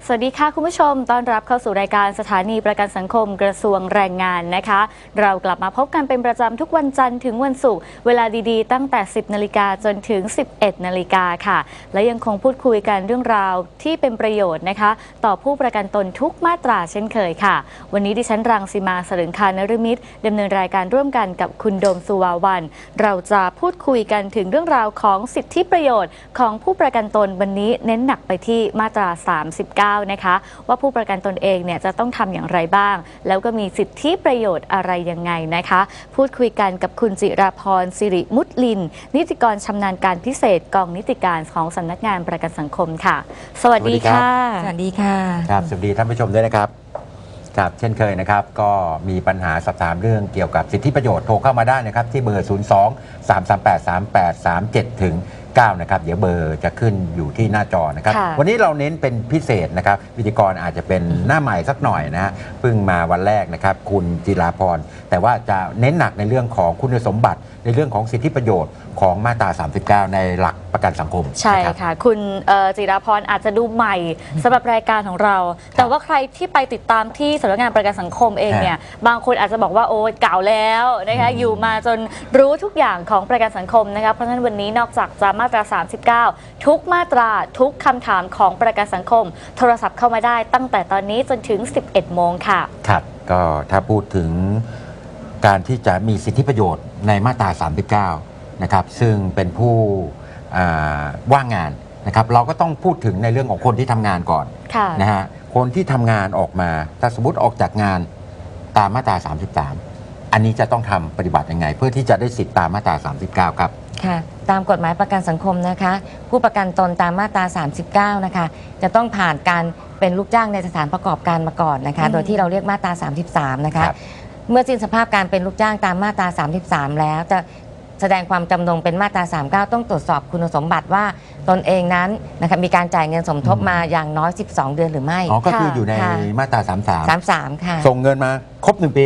สวัสดีค่ะคุณผู้ชมต้อนรับเข้าสู่รายการสถานีประกันสังคมกระทรวงแรงงานนะคะเรากลับมาพบกันเป็นประจำทุกวันจันทร์ถึงวันศุกร์เวลาดีๆตั้งแต่ 10 นาฬิกาจนถึง 11 นาฬิกาค่ะและยังคงพูดคุยกันเรื่องราวที่เป็นประโยชน์นะคะต่อผู้ประกันตนทุกมาตราเช่นเคยค่ะวันนี้ดิฉันรังสีมาสรึงคานฤมิตรดำเนินรายการร่วมกันกับคุณโดมสุวาวันเราจะพูดคุยกันถึงเรื่องราวของสิทธิประโยชน์ของผู้ประกันตนวันนี้เน้นหนักไปที่มาตรา 39 นะคะว่าผู้ประกันตนเองเนี่ยจะต้องทำอย่างไรบ้างแล้วก็มีสิทธิประโยชน์อะไรยังไงนะคะพูดคุยกันกับคุณจิราพรสิริมุตลินนิติกรชำนาญการพิเศษกองนิติการของสำนักงานประกันสังคมค่ะสวัสดีค่ะสวัสดีค่ะครับสวัสดีท่านผู้ชมด้วยนะครับครับเช่นเคยนะครับก็มีปัญหาสอบถามเรื่องเกี่ยวกับสิทธิประโยชน์โทรเข้ามาได้นะครับที่เบอร์ 02-338-3837 ถึง 9 นะครับเดี๋ยวเบอร์จะขึ้นอยู่ที่หน้าจอนะครับวันนี้เราเน้นเป็นพิเศษนะครับพิธีกรอาจจะเป็นหน้าใหม่สักหน่อยนะฮะเพิ่งมาวันแรกนะครับคุณจิราพรแต่ว่าจะเน้นหนักในเรื่องของคุณสมบัติในเรื่องของสิทธิประโยชน์ของมาตรา 39 ในหลักประกันสังคมใช่ค่ะคุณจิราพรอาจจะดูใหม่สำหรับรายการของเราแต่ว่าใครที่ไปติดตามที่สำนักงานประกันสังคมเองเนี่ยบางคนอาจจะบอกว่าโอ้เก่าแล้วนะคะอยู่มาจนรู้ทุกอย่างของประกันสังคมนะคะเพราะฉะนั้นวันนี้นอกจากจะมาตรา 39 ทุกมาตราทุกคำถามของประกันสังคมโทรศัพท์เข้ามาได้ตั้งแต่ตอนนี้จนถึง 11 โมงค่ะครับก็ถ้าพูดถึงการที่จะมีสิทธิประโยชน์ในมาตรา 39 นะครับซึ่งเป็นผู้ว่างงานนะครับเราก็ต้องพูดถึงในเรื่องของคนที่ทำงานก่อนนะฮะคนที่ทำงานออกมาถ้าสมมติออกจากงานตามมาตรา 33 อันนี้จะต้องทำปฏิบัติยังไงเพื่อที่จะได้สิทธิตามมาตรา 39 ครับค่ะตามกฎหมายประกันสังคมนะคะผู้ประกันตนตามมาตรา 39 นะคะจะต้องผ่านการเป็นลูกจ้างในสถานประกอบการมาก่อนนะคะโดยที่เราเรียกมาตรา 33 นะคะเมื่อสิ้นสภาพการเป็นลูกจ้างตามมาตรา 33 แล้วจะแสดงความจำนงเป็นมาตรา 39 ต้องตรวจสอบคุณสมบัติว่าตนเองนั้นนะคะมีการจ่ายเงินสมทบมาอย่างน้อย 12 เดือนหรือไม่อ๋อก็คืออยู่ในมาตรา 33 ค่ะส่งเงินมาครบ1 ปี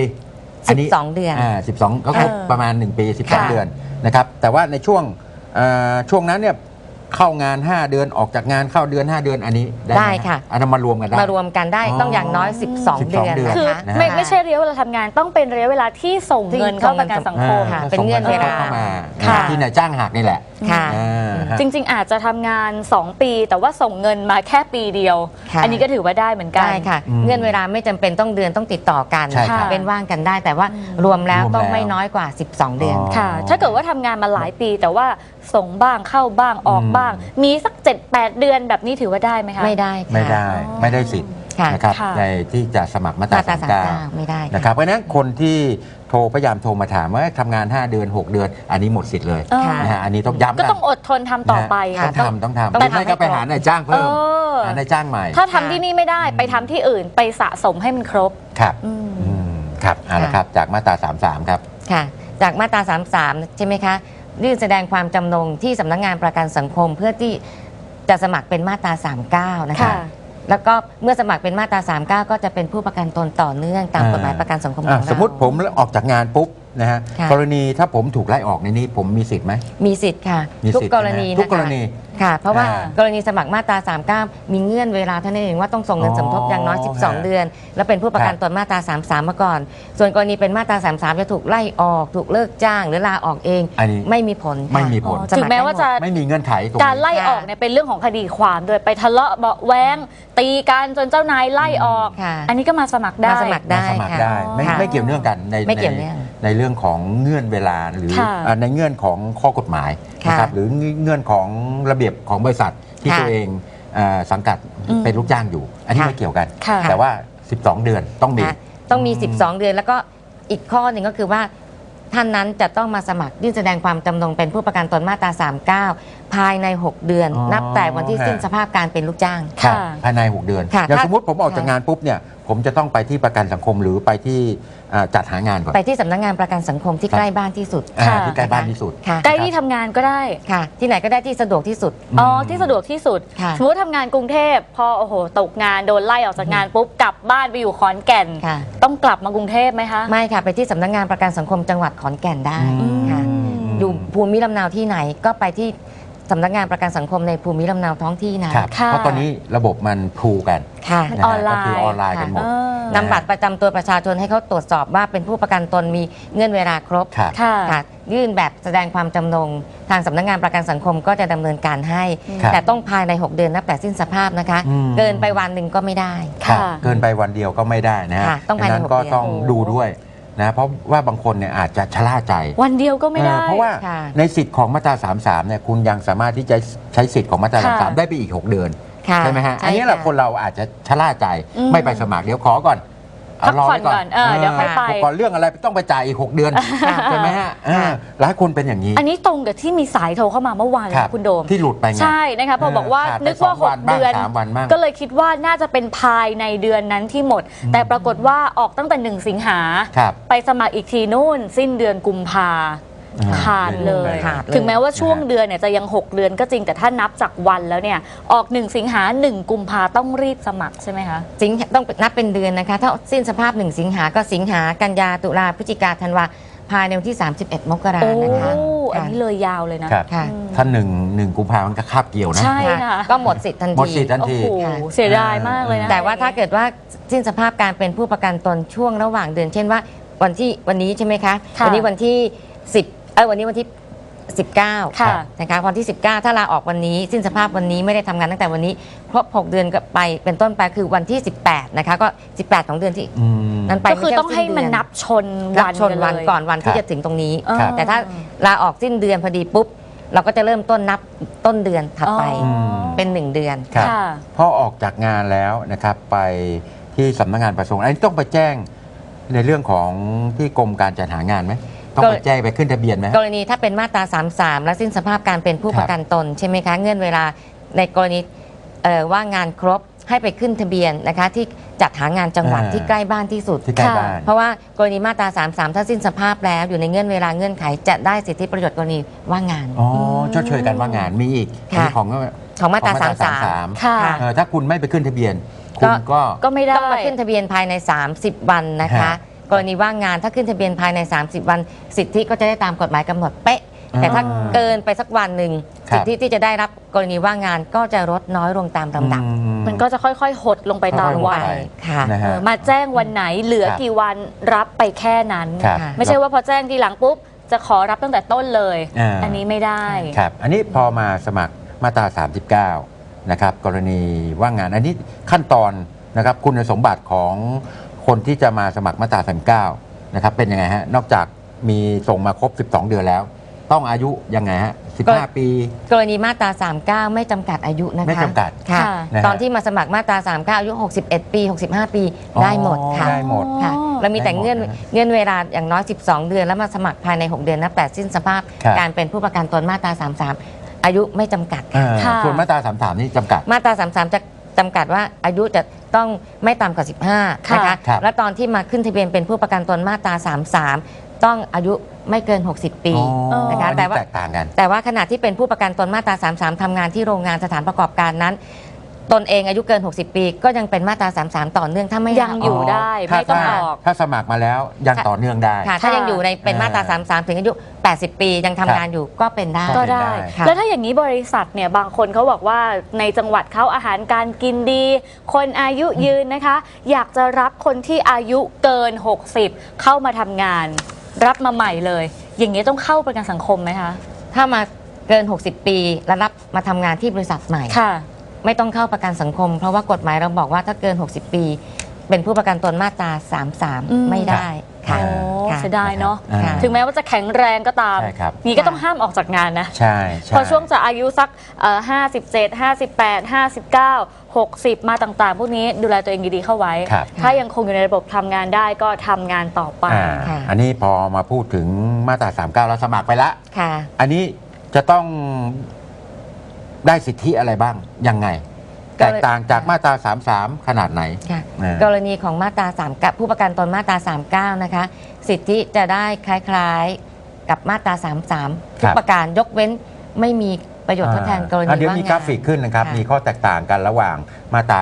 12 เดือน 12ก็ครบประมาณ1 ปี 12 เดือนนะครับแต่ว่าในช่วงนั้นเนี่ยเข้างาน 5 เดือนออกจากงานเข้าเดือน 5 เดือนอันนี้ได้ค่ะอันนั้นมารวมกันได้มารวมกันได้ต้องอย่างน้อย 12 เดือนคือไม่ใช่ระยะเวลาทำงานต้องเป็นระยะเวลาที่ส่งเงินเข้าประกันสังคมเป็นเงื่อนเวลาที่นายจ้างหักนี่แหละจริงๆอาจจะทำงาน 2 ปีแต่ว่าส่งเงินมาแค่ปีเดียวอันนี้ก็ถือว่าได้เหมือนกันได้ค่ะเงื่อนเวลาไม่จำเป็นต้องเดือนต้องติดต่อกันเป็นว่างกันได้แต่ว่ารวมแล้วต้องไม่น้อยกว่า 12 เดือนค่ะถ้าเกิดว่าทำงานมาหลายปีแต่ว่าส่งบ้างเข้าบ้างออกบ้างมีสัก 7-8 เดือนแบบนี้ถือว่าได้ไหมคะไม่ได้ไม่ได้สิทธิ์นะครับในที่จะสมัครมาตรา 39 ไม่ได้นะครับเพราะฉะนั้นคนที่พยายามโทรมาถามว่าทำงาน 5 เดือน 6 เดือนอันนี้หมดสิทธิ์เลยนะฮะอันนี้ต้องย้ำก็ต้องอดทนทำต่อไปค่ะต้องทำไม่ก็ไปหานายจ้างเพิ่มหานายจ้างใหม่ถ้าทำที่นี่ไม่ได้ไปทำที่อื่นไปสะสมให้มันครบครับครับเอาละครับจากมาตรา 33 ครับค่ะจากมาตรา 33 ใช่ไหมคะยื่นแสดงความจำนงที่สำนักงานประกันสังคมเพื่อที่จะสมัครเป็นมาตรา 39 นะคะแล้วก็เมื่อสมัครเป็นมาตรา 39 ก็จะเป็นผู้ประกันตนต่อเนื่องตามกฎหมายประกันสังคมของเราสมมติผมออกจากงานปุ๊บนะฮะกรณีถ้าผมถูกไล่ออกในนี้ผมมีสิทธิ์ไหมมีสิทธิ์ค่ะทุกกรณีค่ะเพราะว่ากรณีสมัครมาตรา 39 มีเงื่อนเวลาเท่านั้นเองว่าต้องส่งเงินสมทบอย่างน้อย 12 เดือนแล้วเป็นผู้ประกันตนมาตรา 33 มาก่อนส่วนกรณีเป็นมาตรา 33 จะถูกไล่ออกถูกเลิกจ้างหรือลาออกเองไม่มีผลถึงแม้ว่าจะไม่มีเงื่อนไขการไล่ออกเนี่ยเป็นเรื่องของคดีความด้วยไปทะเลาะเบาแว้งตีกันจนเจ้านายไล่ออกอันนี้ก็มาสมัครได้ไม่เกี่ยวเนื่องกันในเรื่องของเงื่อนเวลาหรือในเงื่อนของข้อกฎหมายนะครับหรือเงื่อนของระเบียบของบริษัทที่ตัวเองสังกัดเป็นลูกจ้างอยู่อันนี้ไม่เกี่ยวกันแต่ว่า12 เดือนต้องมี 12 เดือนแล้วก็อีกข้อหนึ่งก็คือว่าท่านนั้นจะต้องมาสมัครยื่นแสดงความจำนงเป็นผู้ประกันตนมาตรา 39 ภายใน 6 เดือนนับแต่วันที่สิ้นสภาพการเป็นลูกจ้างภายใน 6 เดือนอย่างสมมติผมออกจากงานปุ๊บเนี่ยผมจะต้องไปที่ประกันสังคมหรือไปที่จัดหางานก่อนไปที่สำนักงานประกันสังคมที่ใกล้บ้านที่สุดที่ใกล้บ้านที่สุดใกล้ที่ทำงานก็ได้ค่ะที่ไหนก็ได้ที่สะดวกที่สุดที่สะดวกที่สุดสมมติทำงานกรุงเทพพอตกงานโดนไล่ออกจากงานปุ๊บกลับบ้านไปอยู่ขอนแก่นต้องกลับมากรุงเทพไหมคะไม่ค่ะไปที่สำนักงานประกันสังคมจังหวัดขอนแก่นได้ค่ะอยู่ภูมิลำเนาที่ไหนก็ไปที่สำนักงานประกันสังคมในภูมิลำเนาท้องที่นะครับค่ะเพราะตอนนี้ระบบมันพูกันค่ะมันนะออฮะนไลน์ก็คือออนไลน์กันหมดเออนำบัตรประจำตัวประชาชนให้เขาตรวจสอบว่าเป็นผู้ประกันตนมีเงื่อนเวลาครบครับค่ะค่ะยื่นแบบแสดงความจำนงทางสำนักงานประกันสังคมก็จะดำเนินการให้ครับแต่ต้องภายใน 6 เดือนนับแต่สิ้นสภาพนะคะอืมเกินไปวันหนึ่งก็ไม่ได้ครับค่ะเกินไปวันเดียวก็ไม่ได้นะฮะค่ะต้องภายในดันั้น 6 ก็เดือนต้องดูด้วยนะเพราะว่าบางคนเนี่ยอาจจะชะล่าใจวันเดียวก็ไม่ได้เพราะว่าค่ะในสิทธิ์ของมาตรา 33 เนี่ยคุณยังสามารถที่จะใช้สิทธิ์ของมาตราค่ะ 33 ได้ไปอีก 6 เดือนค่ะใช่ไหมฮะใช่อันนี้แหละค่ะคนเราอาจจะชะล่าใจอืมไม่ไปสมัครเดี๋ยวขอก่อนพักรอผ่อนไว้ก่อนเดี๋ยวค่อยไปก่อนเรื่องอะไรต้องไปจ่ายอีก 6 เดือนค่ะใช่ไหมฮะค่ะหลายคนเป็นอย่างนี้อันนี้ตรงกับที่มีสายโทรเข้ามาเมื่อวานเลยครับนะคุณโดมที่หลุดไปไงใช่นะคะพอบอกว่าขาดไปนึกว่า 2 วัน 6 บ้างเดือน 3 วันบ้างก็เลยคิดว่าน่าจะเป็นภายในเดือนนั้นที่หมด แต่ปรากฏว่าออกตั้งแต่ 1 สิงหาครับไปสมัครอีกทีนู่นสิ้นเดือนกุมภาขาดเลยขาดเลยถึงแม้ว่าช่วงเดือนเนี่ยจะยัง 6 เดือนก็จริงแต่ถ้านับจากวันแล้วเนี่ยออก 1 สิงหา 1 กุมภาต้องรีบสมัครใช่ไหมคะสิงหาต้องนับเป็นเดือนนะคะ ถ้าสิ้นสภาพ 1 สิงหาก็สิงหากันยาตุลาพฤศจิกาธันวาภายในวันที่ 31 มกราโอ้นะคะอันนี้เลยยาวเลยนะครับค่ะถ้า1 กุมภาพันธ์ก็คาบเกี่ยวนะใช่ ค่ะก็หมดสิทธิ์ทันหมดทีสิทธิ์ทันโอ้ทีโหค่ะเสียดายมากเลยนะแต่ว่าถ้าเกิดว่าสิ้นสภาพการเป็นผู้ประกันตนช่วงระหว่างเดือน เช่นว่าวันนี้ใช่ไหมคะค่ะวันนี้วันที่วันนี้วันที่ 19 ค่ะนะคะวันที่ 19 ถ้าลาออกวันนี้สิ้นสภาพวันนี้ไม่ได้ทำงานตั้งแต่วันนี้ครบ 6 เดือนก็ไปเป็นต้นไปคือวันที่ 18 นะคะก็ 18 ของเดือนที่อืมนั้นไปก็คือต้องให้มันนับชนนัวับนชนวันเลยก่อนวันที่ครับจะถึงตรงนี้เออครับแต่ถ้าลาออกสิ้นเดือนพอดีปุ๊บ เราก็จะเริ่มต้นนับต้นเดือนถัดไปอ๋อเป็น 1 เดือนครับค่ะพอออกจากงานแล้วนะครับไปที่สำนักงานประสงค์อันนี้ต้องไปแจ้งในเรื่องของที่กรมการจัดหางานไหมต้องไปแจ้งไปขึ้นทะเบียนไหมกรณีถ้าเป็นมาตรา 33 และสิ้นสภาพการเป็นผู้ครับประกันตนใช่ไหมคะ เงื่อนเวลาในกรณีว่างงานครบให้ไปขึ้นทะเบียนนะคะที่จัดหางานจังหวัดที่ใกล้บ้านที่สุดที่ใกล้บ้านเพราะว่ากรณีมาตรา 33 ถ้าสิ้นสภาพแล้วอยู่ในเงื่อนเวลาเงื่อนไขจะได้สิทธิประโยชน์กรณีว่างงานอ๋อชดเชยกันว่างงานมีอีกค่ะอันนี้ของของมาตราของ 33 ค่ะถ้าคุณไม่ไปขึ้นทะเบียน คุณก็ก็ไม่ได้ต้องมาขึ้นทะเบียนภายใน 30 วันนะคะฮะกรณีว่างงานถ้าขึ้นทะเบียนภายใน 30 วัน สิทธิก็จะได้ตามกฎหมายกำหนดเป๊ะ แต่ถ้าเกินไปสักวันหนึ่งครับสิทธิที่จะได้รับกรณีว่างงานก็จะลดน้อยลงตามลำดับมันก็จะค่อยๆ หดลงไปตามค่อยๆวัหนดไปค่ะนะฮะมาแจ้งวันไหนเหลือครับกี่วันรับไปแค่นั้นครับไม่ใช่ว่าพอแจ้งทีหลังปุ๊บ จะขอรับตั้งแต่ต้นเลย อันนี้ไม่ได้ครับ อันนี้พอมาสมัครมาตรา 39 นะครับ กรณีว่างงาน อันนี้ขั้นตอนนะครับคุณสมบัติของคนที่จะมาสมัครมาตรา 39 นะครับ เป็นยังไงฮะ นอกจากมีส่งมาครบ 12 เดือนแล้ว ต้องอายุยังไงฮะ 15 ปีกรณีมาตรา 39 ไม่จำกัดอายุนะคะไม่จำกัดค่ะค่ะนะฮะตอนที่มาสมัครมาตรา 39 อายุ 61 ปี 65 ปีได้หมดค่ะได้หมดค่ะเรามีแต่ได้หมดเงื่อนนะเงื่อนเวลาอย่างน้อย 12 เดือน แล้วมาสมัครภายใน 6 เดือนนับแต่สิ้นสภาพครับการเป็นผู้ประกันตนมาตรา 33 อายุไม่จำกัดค่ะค่ะส่วนมาตรา 33 นี่จำกัดมาตรา 33 จะจำกัดว่าอายุจะต้องไม่ต่ำกว่า 15 ค่ะนะคะครับและตอนที่มาขึ้นทะเบียนเป็นผู้ประกันตนมาตรา 33 ต้องอายุไม่เกิน 60 ปีอ๋อนะคะอันแต่นี้ว่าแตกต่างกันแต่ว่าขณะที่เป็นผู้ประกันตนมาตรา 33 ทำงานที่โรงงานสถานประกอบการนั้น ตนเองอายุเกิน 60 ปี ก็ยังเป็นมาตรา 33 ต่อเนื่องถ้าไม่ยังอยู่ได้ถ้าไม่ต้องออกถ้าสมัครมาแล้วยังต่อเนื่องได้ค่ะถ้ายังอยู่ในเป็นมาตรา 33 ถึงอายุ 80 ปียังทำงานอยู่ก็เป็นได้ก็ได้ค่ะแล้วถ้าอย่างนี้บริษัทเนี่ยบางคนเขาบอกว่าในจังหวัดเขาอาหารการกินดี คนอายุยืนนะคะ อยากจะรับคนที่อายุเกิน 60 เข้ามาทำงาน รับมาใหม่เลย อย่างนี้ต้องเข้าประกันสังคมไหมคะถ้ามาเกิน 60 ปีแล้วรับมาทำงานที่บริษัทใหม่ค่ะไม่ต้องเข้าประกันสังคม เพราะว่ากฎหมายเราบอกว่าถ้าเกิน 60 ปี เป็นผู้ประกันตนมาตราอืม 33 ไม่ได้ค่ะโอ้ค่ะเสียดายเนาะอ่าถึงแม้ว่าจะแข็งแรงก็ตามใช่ครับนี้ก็ต้องห้ามออกจากงานนะใช่ใช่พอช่วงจะอายุสัก57 58 59 60 มาต่างๆ พวกนี้ดูแลตัวเองดีๆเข้าไว้ครับถ้ายังคงอยู่ในระบบทำงานได้ก็ทำงานต่อไปค่ะอันนี้พอมาพูดถึงมาตรา 39 แล้วสมัครไปละค่ะอันนี้จะต้องได้สิทธิอะไรบ้าง ยังไงก็แตกต่างจากมาตรา 33 ขนาดไหนค่ะอ่ากรณีของมาตรา3กับผู้ประกันตนมาตรา 39 นะคะ สิทธิจะได้คล้ายๆกับมาตรา 33 ทุกประการยกเว้นไม่มีประโยชน์ทดแทนกรณีเดี๋ยวว่างมีงานกราฟิกขึ้นนะครับค่ะมีข้อแตกต่างกันระหว่างมาตรา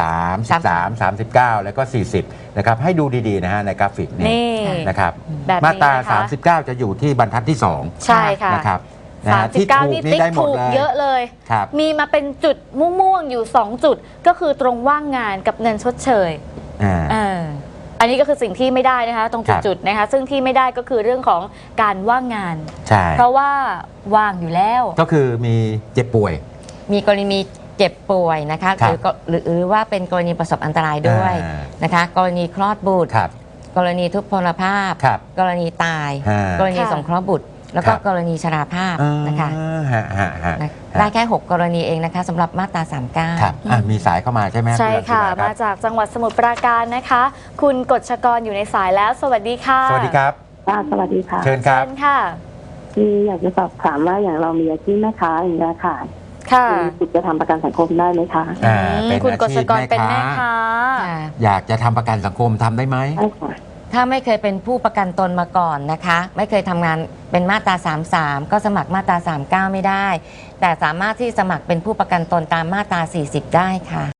33 39 แล้วก็ 40 นะครับ ให้ดูดีๆนะฮะในกราฟิกนี้นี่นะครับแบบนี้มาตรานะคะ 39 จะอยู่ที่บรรทัดที่ 2 ใช่ค่ะนะครับที่ถูก 39 นี่นี่ติ๊กได้หมดถูกเลยเยอะเลยครับมีมาเป็นจุดม่วงๆอยู่ 2 จุด ก็คือตรงว่างงานกับเงินชดเชยอ่าเอออันนี้ก็คือสิ่งที่ไม่ได้นะคะตรงครับจุดๆนะคะซึ่งที่ไม่ได้ก็คือเรื่องของการว่างงานใช่เพราะว่าว่างอยู่แล้วก็คือมีเจ็บป่วยมีกรณีเจ็บป่วยนะคะครับหรือว่าเป็นกรณีประสบอันตรายด้วยอ่านะคะ กรณีคลอดบุตรครับกรณีทุพพลภาพครับกรณีตายฮะกรณีค่ะสงเคราะห์บุตร แล้วก็ครับกรณีชราภาพนะคะฮะฮะฮะนะได้แค่ 6 กรณีเองนะคะสำหรับมาตรา 39 ครับมีสายเข้ามาใช่ไหมใช่ค่ะณรังสิมารับมาจากจังหวัดสมุทรปราการนะคะ คุณกฎชกรอยู่ในสายแล้ว สวัสดีค่ะสวัสดีครับค่ะสวัสดีค่ะเชิญครับเชิญค่ะคืออยากจะสอบถามว่าอย่างเรามีอาชีพแม่ค้าอย่างเงี้ยค่ะค่ะมีสิทธิ์จะทำประกันสังคมได้ไหมคะอ่าอืมเป็นคุณกอาฎชีชพกรแม่เป็นค้าแม่ค้าค่ะอยากจะทำประกันสังคมทำได้ไหมใช่ค่ะถ้าไม่เคยเป็นผู้ประกันตนมาก่อนนะคะ ไม่เคยทำงานเป็นมาตรา 33 ก็สมัครมาตรา 39 ไม่ได้ แต่สามารถที่สมัครเป็นผู้ประกันตนตามมาตรา 40 ได้ค่ะ